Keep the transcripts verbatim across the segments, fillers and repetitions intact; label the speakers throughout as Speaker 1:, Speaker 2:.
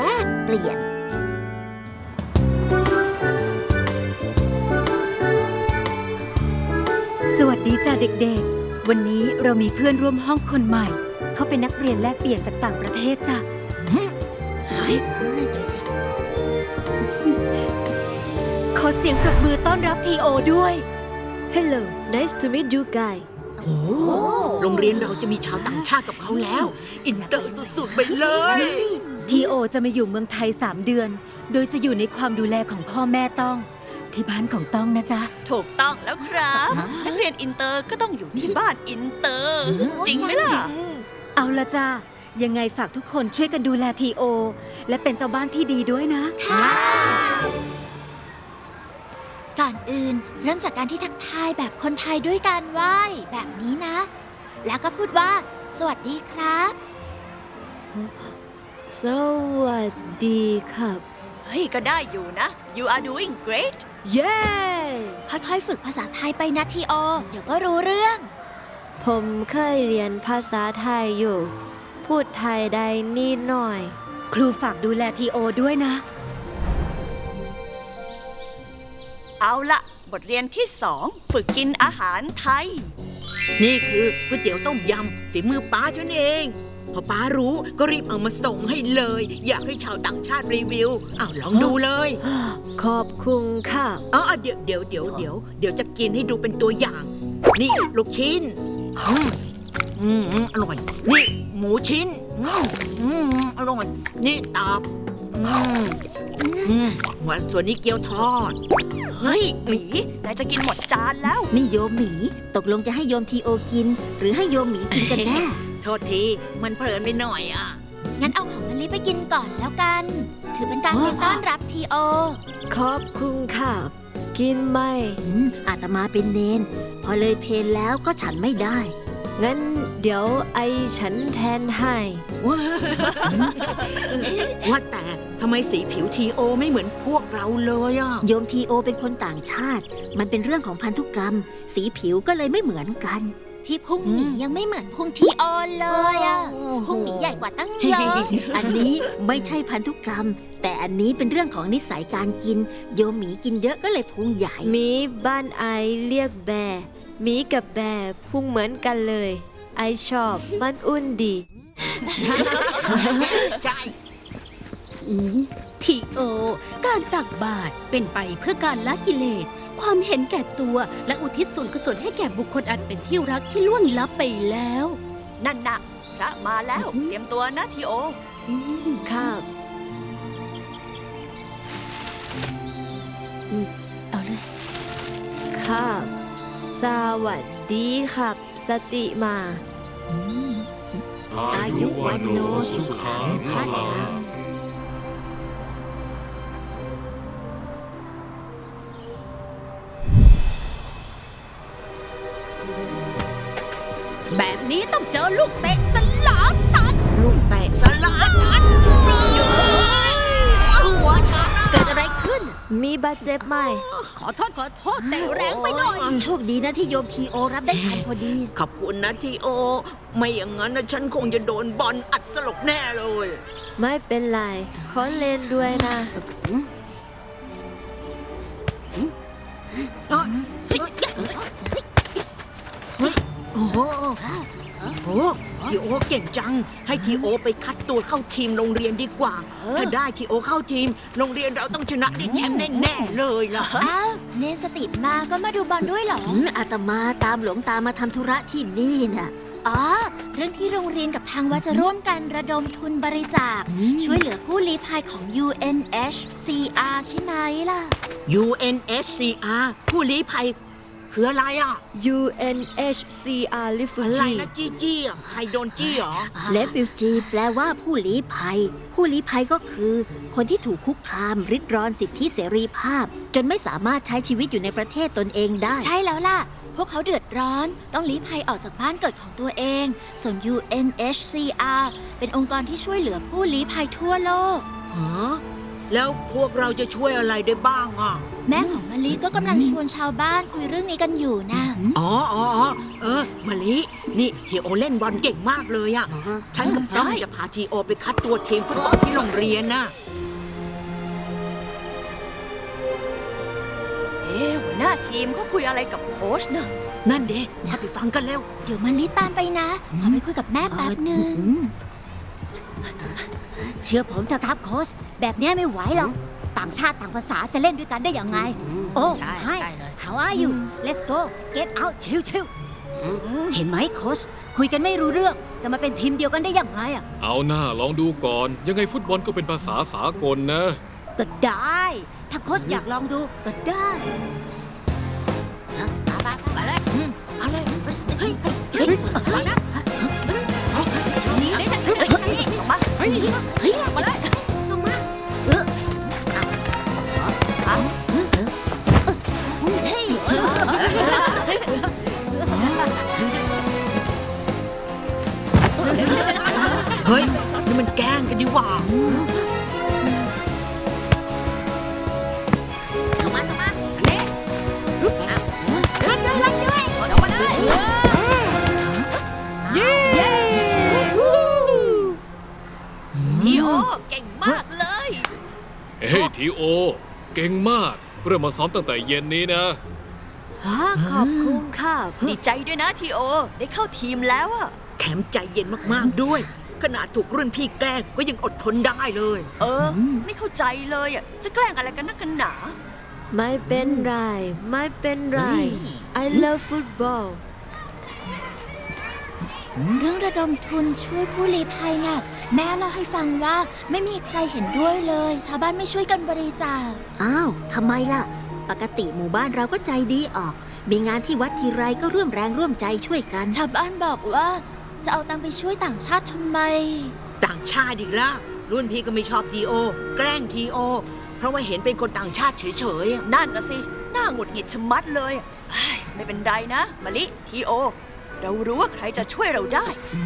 Speaker 1: กเปลี่ยน
Speaker 2: สวัสดีจ้าเด็กๆวันนี้เรามีเพื่อนร่วมห้องคนใหม่เขาเป็นนักเรียนแลกเปลี่ยนจากต่างประเทศจ้ะขอเสียงปรบมือต้อนรับทีโอด้วย
Speaker 3: Hello nice to meet you guy
Speaker 4: โอ้โรงเรียนเราจะมีชาวต่างชาติกับเขาแล้ว อินเตอร์สุดๆไปเลย
Speaker 2: ทีโอจะมาอยู่เมืองไทยสามเดือนโดยจะอยู่ในความดูแลของพ่อแม่ต้องที่บ้านของต้องนะจ๊ะ
Speaker 5: ถูกต้องแล้วครับนักเรียนอินเตอร์ก็ต้องอยู่ที่บ้านอินเตอร์จริงไหมล่ะ
Speaker 2: เอาละจ้ายังไงฝากทุกคนช่วยกันดูแลทีโอและเป็นเจ้าบ้านที่ดีด้วยนะ
Speaker 1: ค่ะก่อนอื่นเริ่มจากการที่ทักทายแบบคนไทยด้วยการไหว้แบบนี้นะ แล้วก็พูดว่าสวัสดีครับ
Speaker 3: สวัสดีครับ
Speaker 5: เฮ้ยก็ได้อยู่นะ you are doing great
Speaker 3: เย้
Speaker 1: ค่อยๆฝึกภาษาไทยไปนะทีโอเดี๋ยวก็รู้เรื่อง
Speaker 3: ผมเคยเรียนภาษาไทยอยู่พูดไทยได้นิดหน่อย
Speaker 2: ครูฝากดูแลทีโอด้วยนะ
Speaker 5: เอาละบทเรียนที่สองฝึกกินอาหารไทย
Speaker 4: นี่คือก๋วยเตี๋ยวต้มยำฝีมือป้าฉันเองพอป้ารู้ก็รีบเอามาส่งให้เลยอยากให้ชาวต่างชาติรีวิวอ้าวลองดูเลย
Speaker 3: ขอบคุณค่ะ
Speaker 4: อ๋อเดี๋ยวเดี๋ยวเดี๋ยวเดี๋ยวเดี๋ยวจะกินให้ดูเป็นตัวอย่างนี่ลูกชิ้นอืมอืมอร่อยนี่หมูชิ้นอืมอืมอร่อยนี่ตับอืมอืมส่วนนี้เกี๊ยวทอด
Speaker 5: เฮ้ยหมีนายจะกินหมดจานแล้ว
Speaker 1: นี่โยมหมีตกลงจะให้โยมทีโอกินหรือให้โยมหมีกินกันแน่
Speaker 4: โทษทีมันเพลินไปหน่อยอ่ะ
Speaker 1: งั้นเอาของมะลิไปกินก่อนแล้วกันถือเป็นการต้อนรับทีโอ
Speaker 3: ขอบคุณค่ะกินไหม
Speaker 1: อาตมาเป็นเนนพอเลยเพลแล้วก็ฉันไม่ได้
Speaker 3: งั้นเดี๋ยวไอฉันแทนให้
Speaker 4: ว่าแต่ทำไมสีผิวทีโอไม่เหมือนพวกเราเลยอ่ะ
Speaker 1: โยมทีโอเป็นคนต่างชาติมันเป็นเรื่องของพันธุกรรมสีผิวก็เลยไม่เหมือนกันที่พุงหมียังไม่เหมือนพุงทีโอเลยอ่ะพุงหมีใหญ่กว่าตั้งเยอะอันนี้ไม่ใช่พันธุกรรมแต่อันนี้เป็นเรื่องของนิสัยการกินโยมหมีกินเยอะก็เลยพุงใหญ่
Speaker 3: หมีบ้านไอเรียกแบร์หมีกับแบร์พุงเหมือนกันเลยไอชอบมันอุ่นดี
Speaker 4: ใช่
Speaker 6: ทีโอการตักบาตรเป็นไปเพื่อการละกิเลสความเห็นแก่ตัวและอุทิศส่วนกุศลให้แก่บุคคลอันเป็นที่รักที่ล่วงลับไปแล้ว
Speaker 5: นั่นนะพระมาแล้วเตรียมตัวนะทีโอ
Speaker 3: ครับ
Speaker 6: เอาเลย
Speaker 3: ครับสวัสดีครับสติมา
Speaker 7: อายุวันโนสุขังพลัง
Speaker 6: แบบนี้ต้องเจอลูกเตะสลาตัน
Speaker 4: ลูกเตะสลาตัน
Speaker 6: เกิดอะไรขึ้น
Speaker 3: มีบาดเจ็บไหม
Speaker 6: ขอโทษขอโทษแต่แรงไปหน่อย
Speaker 1: โชคดีนะที่โยมทีโอรับได้ทันพอดี
Speaker 4: ขอบคุณนะทีโอไม่อย่างนั้นนะฉันคงจะโดนบอลอัดสลบแน่เลย
Speaker 3: ไม่เป็นไรขอเล่นด้วยนะ
Speaker 4: โอ้โหโอ้ทีโอเก่งจังให้ทีโอไปคัดตัวเข้าทีมโรงเรียนดีกว่าถ้าได้ทีโอเข้าทีมโรงเรียนเราต้องชนะได้แชมป์แน่ๆเลยล่ะ
Speaker 1: อ้าวเนนสติมาก็มาดูบอลด้วยเหรออาตมาตามหลวงตามาทำธุระที่นี่น่ะอ๋อเรื่องที่โรงเรียนกับทางวัดจะร่วมกันระดมทุนบริจาคช่วยเหลือผู้ลี้ภัยของ ยู เอ็น เอช ซี อาร์ ใช่ไหมล่ะ
Speaker 4: ยู เอ็น เอช ซี อาร์ ผู้ลี้ภัยคืออะไรอ่ะ
Speaker 3: ยู เอ็น เอช ซี อาร์ refugee
Speaker 4: อะไรนะจี้จี้อ่ะใครโดนจี้หรอ
Speaker 1: refugee แปลว่าผู้ลี้ภัยผู้ลี้ภัยก็คือคนที่ถูกคุกคามริดรอนสิทธิเสรีภาพจนไม่สามารถใช้ชีวิตอยู่ในประเทศตนเองได้ใช่แล้วล่ะพวกเขาเดือดร้อนต้องลี้ภัยออกจากบ้านเกิดของตัวเองส่วน ยู เอ็น เอช ซี อาร์ เป็นองค์กรที่ช่วยเหลือผู้ลี้ภัยทั่วโลก
Speaker 4: ฮะแล้วพวกเราจะช่วยอะไรได้บ้างอ่ะ
Speaker 1: แม่ของมะลิก็กำลังชวนชาวบ้านคุยเรื่องนี้กันอยู่นะ
Speaker 4: อ๋ออ๋อเออมะลินี่ทีโอเล่นบอลเก่งมากเลยอะฉันกับจ้องจะพาทีโอไปคัดตัวทีมฟุตบอลที่โรงเรียนน่ะ
Speaker 5: เอ๊ะหัวหน้าทีมเขาคุยอะไรกับโค้ชนะ
Speaker 4: นั่นเด้พาไปฟังกันเร็ว
Speaker 1: เดี๋ยวมันลิตามไปนะ ขอไปคุยกับแม่แป๊บนึง
Speaker 2: เชื่อผมเถอะครับโค้ชแบบเนี้ยไม่ไหวหรอก ต่างชาติต่างภาษาจะเล่นด้วยกันได้ยังไง โอ้
Speaker 4: ใช่
Speaker 2: Hi
Speaker 4: ใช่เลย
Speaker 2: How are you Let's go Get out ชิวชิวเห็นไหมโค้ชคุยกันไม่รู้เรื่อง จะมาเป็นทีมเดียวกันได้ยังไงอ่ะ
Speaker 7: เอาหน้าลองดูก่อน ยังไงฟุตบอลก็เป็นภาษาสากลนะ
Speaker 2: ก็ได้ ถ้าโค้ชอยากลองดูก็ได้
Speaker 4: มาเลยอืมเอาเลยเฮ้ย
Speaker 2: เฮ้ย
Speaker 4: มานะ
Speaker 5: นี่ได้จากไหนออกมา
Speaker 4: เฮ้ย
Speaker 2: เฮ้ยมาเลยเออเอาเฮ้ย
Speaker 4: เฮ้ยนี่มันแกล้งกันดีกว่าเอามาเอามาอันนี้รักด้วยรักด้วยเอามาเลยเย้
Speaker 5: ทีโอเก่งมากเลย
Speaker 7: เฮ้ยทีโอ เก่งมาก เริ่มมาซ้อมตั้งแต่เย็นนี้นะ
Speaker 3: ขอบคุณค่ะ
Speaker 5: ดีใจด้วยนะทีโอ ได้เข้าทีมแล้วอะ
Speaker 4: แถมใจเย็นมากๆด้วย ขนาดถูกรุ่นพี่แกล้งก็ยังอดทนได้เลย
Speaker 5: เออ ไม่เข้าใจเลยอะจะแกล้งอะไรกันนักกันหนา
Speaker 3: ไม่เป็นไร ไม่เป็นไร I love football
Speaker 1: เรื่องระดมทุนช่วยผู้ลี้ภัยน่ะ แม่เล่าให้ฟังว่าไม่มีใครเห็นด้วยเลย ชาวบ้านไม่ช่วยกันบริจาค อ้าวทำไมล่ะ ปกติหมู่บ้านเราก็ใจดีออก มีงานที่วัดทีไรก็ร่วมแรงร่วมใจช่วยกัน ชาวบ้านบอกว่าจะเอาตังค์ไปช่วยต่างชาติทำไม
Speaker 4: ต่างชาติอีกแล้วรุ่นพี่ก็ไม่ชอบทีโอ แกล้งทีโอ เพราะว่าเห็นเป็นคนต่างชาติเฉยๆอะ
Speaker 5: นั่นนะสิ น่าหงุดหงิดชะมัดเลยอะเฮ้ยไม่เป็นไรนะมะลิทีโอ เรารู้ว่าใครจะช่วยเราได้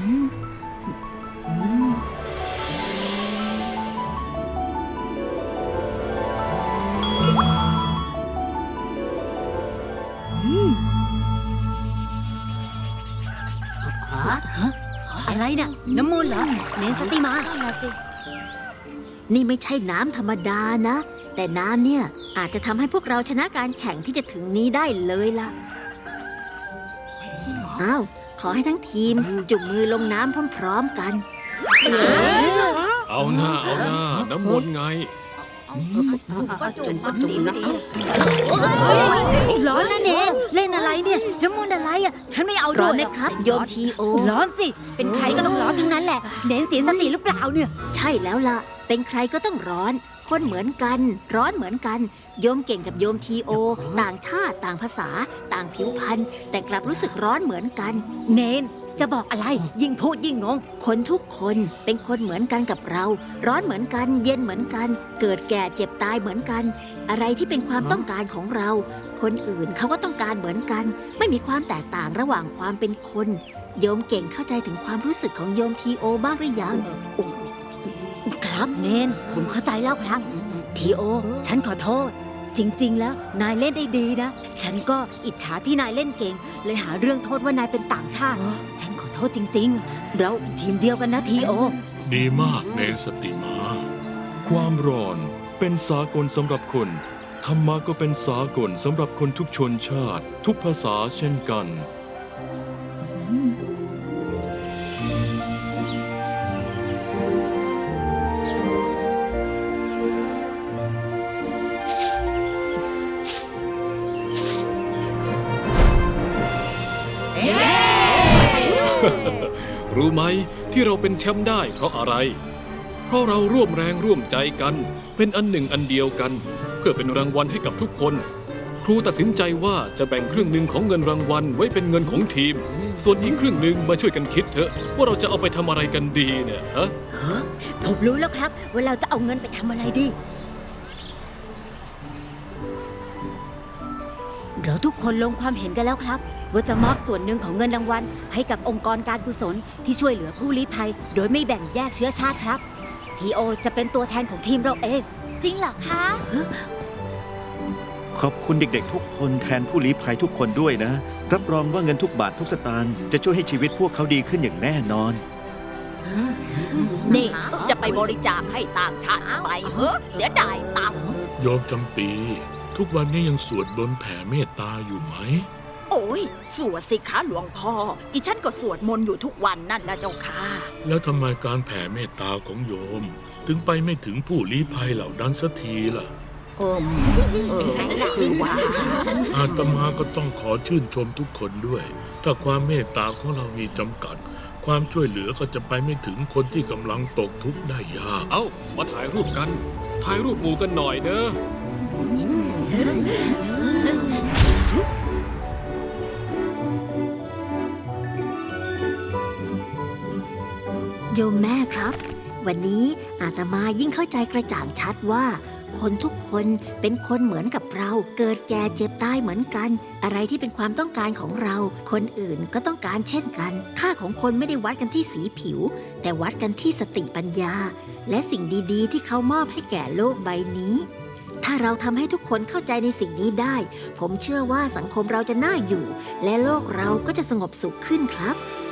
Speaker 2: อะไรน่ะ น้ำมูลเหรอ เนนสติมา
Speaker 1: นี่ไม่ใช่น้ำธรรมดานะ แต่น้ำเนี่ยอาจจะทำให้พวกเราชนะการแข่งที่จะถึงนี้ได้เลยล่ะ อ้าว ขอให้ทั้งทีมจุ่มมือลงน้ำพร้อมๆกัน
Speaker 7: เอาหน้าเอาหน้า น้ำมนต์ไง
Speaker 4: จุ่มก็จุ่มนะ
Speaker 2: ร้อนนะเนนเล่นอะไรเนี่ย น้ำมูลอะไรอ่ะ ฉันไม่เอา
Speaker 1: ร้
Speaker 2: ด้
Speaker 1: อ
Speaker 2: วน ย
Speaker 1: ไหม
Speaker 2: หรอก
Speaker 1: ครับ โยมทีโอ
Speaker 2: ร้อนสิ เป็นใครก็ต้องร้อนทั้งนั้นแหละ เนนเสียสติหรือเปล่าเนี่ย
Speaker 1: ใช่แล้วล่ะ เป็นใครก็ต้องร้อน คนเหมือนกัน ร้อนเหมือนกัน โยมเก่งกับโยมทีโอ ต่างชาติ ต่างภาษา ต่างผิวพรรณ แต่กลับรู้สึกร้อนเหมือนกัน
Speaker 2: เนนจะบอกอะไร ยิ่งพูดยิ่งงง
Speaker 1: คนทุกคนเป็นคนเหมือนกันกับเรา ร้อนเหมือนกัน เย็นเหมือนกัน เกิดแก่เจ็บตายเหมือนกัน อะไรที่เป็นความต้องการของเรา คนอื่นเขาก็ต้องการเหมือนกัน ไม่มีความแตกต่างระหว่างความเป็นคน โยมเก่งเข้าใจถึงความรู้สึกของโยมทีโอบ้างหรือยัง
Speaker 2: ครับเนน ผมเข้าใจแล้วครับ ทีโอ ฉันขอโทษ จริง ๆ แล้วนายเล่นได้ดีนะ ฉันก็อิจฉาที่นายเล่นเก่ง เลยหาเรื่องโทษว่านายเป็นต่างชาติ ฉันขอโทษจริง ๆ เราทีมเดียวกันนะทีโอ
Speaker 7: ดีมากเนสติมา
Speaker 8: ความร้อนเป็นสากลสำหรับคน ธรรมะก็เป็นสากลสำหรับคนทุกชนชาติ ทุกภาษาเช่นกัน
Speaker 7: รู้ไหมที่เราเป็นแชมป์ได้เพราะอะไร เพราะเราร่วมแรงร่วมใจกัน เป็นอันหนึ่งอันเดียวกัน เพื่อเป็นรางวัลให้กับทุกคน ครูตัดสินใจว่าจะแบ่งครึ่งหนึ่งของเงินรางวัลไว้เป็นเงินของทีม ส่วนอีกครึ่งหนึ่งมาช่วยกันคิดเถอะ ว่าเราจะเอาไปทำอะไรกันดีเนี่ยฮะ
Speaker 2: ผมรู้แล้วครับว่าเราจะเอาเงินไปทำอะไรดี เราทุกคนลงความเห็นกันแล้วครับ ว่าจะมอบส่วนหนึ่งของเงินรางวัลให้กับองค์กรการกุศลที่ช่วยเหลือผู้ลี้ภัย โดยไม่แบ่งแยกเชื้อชาติครับ ทีโอจะเป็นตัวแทนของทีมเราเอง
Speaker 1: จริงเหรอคะ
Speaker 2: ค
Speaker 9: ขอบคุณเด็กๆทุกคนแทนผู้ลี้ภัยทุกคนด้วยนะ รับรองว่าเงินทุกบาททุกสตางค์จะช่วยให้ชีวิตพวกเขาดีขึ้นอย่างแน่นอน
Speaker 4: นี่จะไปบริจาคให้ต่างชาติทำไมเฮ้เสียดายตังค์
Speaker 10: โยมจำปี ทุกวันนี้ยังสวดบนต์แผ่เมตตาอยู่ไหม
Speaker 4: โอ้ยสวดสิคะหลวงพ่อ อีฉันก็สวดมนต์อยู่ทุกวันนั่นนะเจ้าค่ะ
Speaker 10: แล้วทำไมการแผ่เมตตาของโยม ถึงไปไม่ถึงผู้ลี้ภัยเหล่านั้นสักทีล่ะ
Speaker 4: เอมเออคือว่า
Speaker 10: อาตมาก็ต้องขอชื่นชมทุกคนด้วย ถ้าความเมตตาของเรามีจำกัด ความช่วยเหลือก็จะไปไม่ถึงคนที่กำลังตกทุกข์ได้ยาก
Speaker 7: เอ้า มาถ่ายรูปกัน ถ่ายรูปหมู่กันหน่อยเนอะ
Speaker 1: โยมแม่ครับ วันนี้อาตมายิ่งเข้าใจกระจ่างชัดว่า คนทุกคนเป็นคนเหมือนกับเรา เกิดแก่เจ็บตายเหมือนกัน อะไรที่เป็นความต้องการของเรา คนอื่นก็ต้องการเช่นกัน ค่าของคนไม่ได้วัดกันที่สีผิว แต่วัดกันที่สติปัญญา และสิ่งดีๆ ที่เขามอบให้แก่โลกใบนี้ ถ้าเราทำให้ทุกคนเข้าใจในสิ่งนี้ได้ ผมเชื่อว่าสังคมเราจะน่าอยู่ และโลกเราก็จะสงบสุขขึ้นครับ